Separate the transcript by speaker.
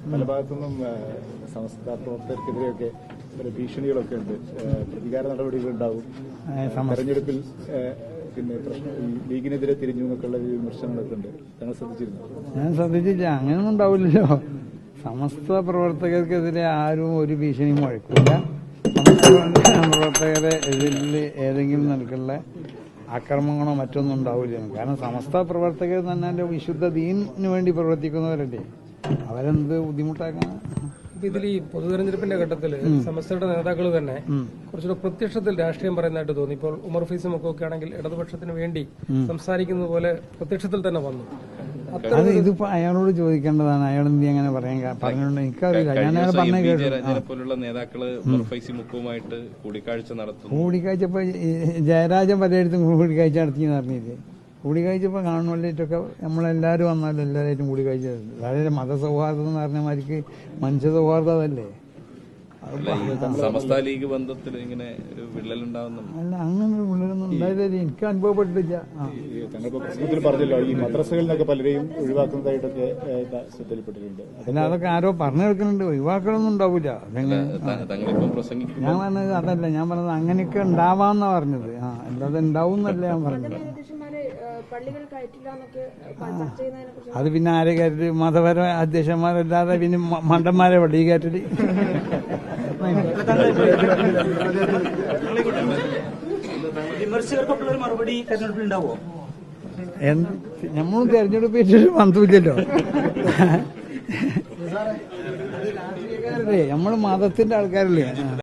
Speaker 1: പല ഭാഗത്തുനിന്നും സമസ്ത പ്രവർത്തകർക്കെതിരെയൊക്കെ ഭീഷണികളൊക്കെ ഉണ്ട്. പ്രതികാര നടപടികളുണ്ടാവും. തെരഞ്ഞെടുപ്പിൽ പിന്നെ പ്രശ്നം ലീഗിനെതിരെ തിരിഞ്ഞു എന്നൊക്കെയുള്ള വിമർശനങ്ങളൊക്കെ ഉണ്ട്. ഞങ്ങൾ ശ്രദ്ധിച്ചിരുന്നു. ഞാൻ
Speaker 2: ശ്രദ്ധിച്ചില്ല. അങ്ങനെയൊന്നും ഉണ്ടാവില്ലല്ലോ. സമസ്ത പ്രവർത്തകർക്കെതിരെ ആരും ഒരു ഭീഷണിയും മുഴക്കില്ല. സമസ്ത പ്രവർത്തകരെ എതിരിൽ ഏതെങ്കിലും നിലക്കുള്ള ആക്രമണങ്ങളോ മറ്റൊന്നും ഉണ്ടാവില്ല. കാരണം സമസ്ത പ്രവർത്തകർ തന്നെ വിശുദ്ധ ദീനിന് വേണ്ടി പ്രവർത്തിക്കുന്നവരല്ലേ. അവരെന്ത് ബുദ്ധിമുട്ടാക്കണം.
Speaker 3: ഇതിൽ ഈ പൊതുതെരഞ്ഞെടുപ്പിന്റെ ഘട്ടത്തിൽ സമസ്തയുടെ നേതാക്കൾ തന്നെ കുറച്ചുകൂടെ പ്രത്യക്ഷത്തിൽ രാഷ്ട്രീയം പറയുന്നതായിട്ട് തോന്നി. ഇപ്പോൾ ഉമർ ഫൈസും ഒക്കെ ആണെങ്കിൽ ഇടതുപക്ഷത്തിന് വേണ്ടി സംസാരിക്കുന്നത് പോലെ പ്രത്യക്ഷത്തിൽ തന്നെ വന്നു.
Speaker 2: അത് ഇതിപ്പോ അയാളോട് ചോദിക്കേണ്ടതാണ്. അയാൾ എന്ത് അങ്ങനെ പറഞ്ഞുകൊണ്ട് എനിക്കറിയില്ല. ഞാൻ അയാൾ പറഞ്ഞ
Speaker 4: പോലുള്ള നേതാക്കള് ഉമർ ഫൈസി മുക്കുമായിട്ട് കൂടിക്കാഴ്ച നടത്തുന്നു.
Speaker 2: കൂടിക്കാഴ്ചപ്പോ ജയരാജൻ പലയിടത്തും കൂടിക്കാഴ്ച നടത്തിയെന്ന് അറിഞ്ഞില്ലേ. കൂടിക്കാഴ്ചപ്പോ കാണുമ്പോഴേറ്റൊക്കെ നമ്മളെല്ലാവരും വന്നാലും എല്ലാവരായിട്ടും കൂടിക്കാഴ്ച. അതായത് മതസൗഹാർദ്ദം എന്ന് പറഞ്ഞ മാതിരിക്ക് മനുഷ്യ സൗഹാർദ്ദം അതല്ലേ.
Speaker 4: സമസ്ത ലീഗ് ബന്ധത്തിൽ ഇങ്ങനെ ഒരു വിള്ളലുണ്ടാവുന്നു.
Speaker 2: അല്ല, അങ്ങനെ ഒരു വിള്ളലൊന്നും ഉണ്ടായില്ല. എനിക്ക് അനുഭവപ്പെട്ടില്ല.
Speaker 1: പ്രശ്നത്തിൽ പറഞ്ഞല്ലോ ഈ മദ്രസകളിൽ നിന്നൊക്കെ പലരെയും ഒഴിവാക്കുന്നതായിട്ടൊക്കെ ശ്രദ്ധയിൽപ്പെട്ടിട്ടുണ്ട്.
Speaker 2: അല്ല, അതൊക്കെ ആരോ പറഞ്ഞു കേൾക്കുന്നുണ്ട്. ഒഴിവാക്കലൊന്നും ഉണ്ടാവില്ല. ഞാൻ പറഞ്ഞത് അതല്ല. ഞാൻ പറഞ്ഞത് അങ്ങനെയൊക്കെ ഉണ്ടാവാന്നാ പറഞ്ഞത്. അല്ലാതെ ഉണ്ടാവും എന്നല്ല ഞാൻ പറഞ്ഞത്. അത് പിന്നെ ആരെ കയറ്റി മതപര അധ്യക്ഷന്മാരല്ലാതെ പിന്നെ മണ്ടന്മാരെ പള്ളി കയറ്റല്.
Speaker 5: വിമർശകർക്കൊക്കെ മറുപടി തെരഞ്ഞെടുപ്പിൽ ഉണ്ടാവോ?
Speaker 2: നമ്മളും തെരഞ്ഞെടുപ്പിൽ ബന്ധമില്ലല്ലോ. നമ്മൾ മതത്തിന്റെ ആൾക്കാരല്ലേ.